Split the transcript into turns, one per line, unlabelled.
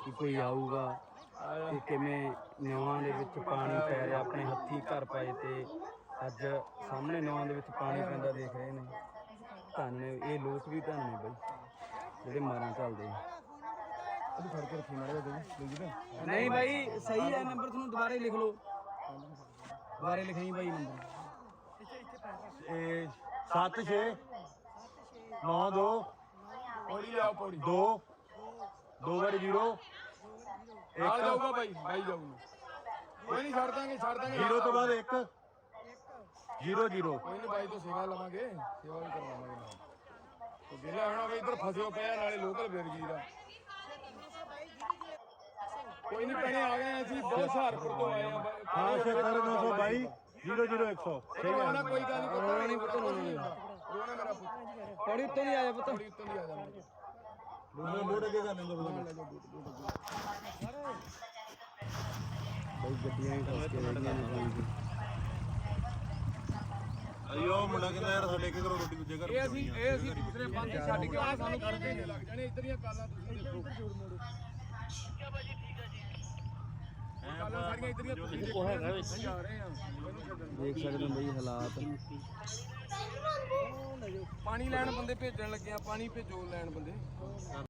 ਕਿ ਕੋਈ ਆਊਗਾ ਕਿ ਕਿਵੇਂ ਨਿਆਂ ਦੇ ਵਿੱਚ ਪਾਣੀ ਪੈ ਰਿਹਾ। ਆਪਣੇ ਹੱਥੀਂ ਘਰ ਪਾਏ ਤੇ ਅੱਜ ਸਾਹਮਣੇ ਨਿਆਂ ਦੇ ਵਿੱਚ ਪਾਣੀ ਪੈਂਦਾ ਦੇਖ ਰਹੇ ਨੇ। ਧੰਨ ਨੇ ਇਹ ਲੋਕ ਵੀ, ਧੰਨ ਨੇ ਬਈ ਜਿਹੜੇ ਮਾਰਾਂ ਚੱਲਦੇ।
ਫੜ ਕੇ ਰੱਖੀ ਮਾਰੇ
ਨਹੀਂ ਬਾਈ ਸਹੀ ਹੈ ਨੰਬਰ, ਤੁਹਾਨੂੰ ਦੁਬਾਰੇ ਲਿਖ ਲਓ, ਦੁਬਾਰੇ ਲਿਖਾਈ ਬਾਈ ਨੰਬਰ
76 92
ਪੌੜੀ ਲਿਆਓ ਪੌੜੀ
2 2 0
ਆ ਜਾਊਗਾ ਬਾਈ ਜਾਊਗਾ। ਕੋਈ ਨਹੀਂ ਛੱਡ ਦਾਂਗੇ
0 ਤੋਂ ਬਾਅਦ 1 0 0।
ਕੋਈ ਨਹੀਂ ਬਾਈ ਤੋਂ ਸੇਵਾ ਲਵਾਂਗੇ, ਸੇਵਾ ਵੀ ਕਰਵਾਵਾਂਗੇ ਨਾਲ। ਤੇ ਜਿਹੜਾ ਹੁਣ ਵੀ ਇੱਧਰ ਫਸਿਓ ਪਿਆ ਨਾਲੇ ਲੋਕਲ ਬੇਰਗੀਰ ਆ। ਕੋਈ ਨਹੀਂ ਭੈਣੇ ਆ ਗਏ ਅਸੀਂ ਬਹੁਤ ਸਹਾਰਪੁਰ ਤੋਂ ਆਏ ਆ।
ਹਾਂ 76922 0 0 100।
ਠੀਕ ਹੈ ਨਾ, ਕੋਈ ਗੱਲ ਨਹੀਂ, ਰੋਣਾ ਨਹੀਂ ਪੁੱਤ, ਰੋਣਾ ਮੇਰਾ ਪੁੱਤ।
ਪੌੜੀ ਉੱਤੋਂ ਦੀ ਆ ਜਾ ਪੁੱਤ,
ਪੌੜੀ ਉੱਤੋਂ ਦੀ ਆ ਜਾ ਮੇਰੇ
ਬੋੜ ਅੱਗੇ ਕਰ ਲੈਂਦੇ
ਬਈ ਗੱਡੀਆਂ ਹੀ ਫਸ ਕੇ ਰਹਿੰਦੀਆਂ ਨੇ ਪਾਣੀ ਦੀ।
ਅਯੋ ਮੁੰਡਾ ਕਹਿੰਦਾ ਯਾਰ ਸਾਡੇ ਇੱਕ ਘਰੋਂ ਰੋਟੀ ਦੂਜੇ ਘਰ
ਇਹ ਅਸੀਂ ਦੂਸਰੇ ਬੰਦ ਛੱਡ ਕੇ ਆ, ਸਾਨੂੰ ਕਰਦੇ ਨੇ ਲੱਗ ਜਾਣੇ ਇੱਧਰ ਦੀਆਂ ਕਾਲਾਂ। ਤੁਸੀਂ ਦੇਖੋ ਠੀਕ ਆ ਭਾਜੀ, ਠੀਕ ਆ ਜੀ। ਕਾਲਾਂ ਸਾਰੀਆਂ ਇੱਧਰ ਦੀਆਂ ਤੁਸੀਂ ਦੇਖੋ, ਜਾ ਰਹੇ ਆ।
ਦੇਖ ਸਕਦੇ ਹੋ ਬਈ ਹਾਲਾਤ।
ਪਾਣੀ ਲੈਣ ਬੰਦੇ ਭੇਜਣ ਲੱਗੇ ਆ, ਪਾਣੀ ਭੇਜੋ ਲੈਣ ਬੰਦੇ।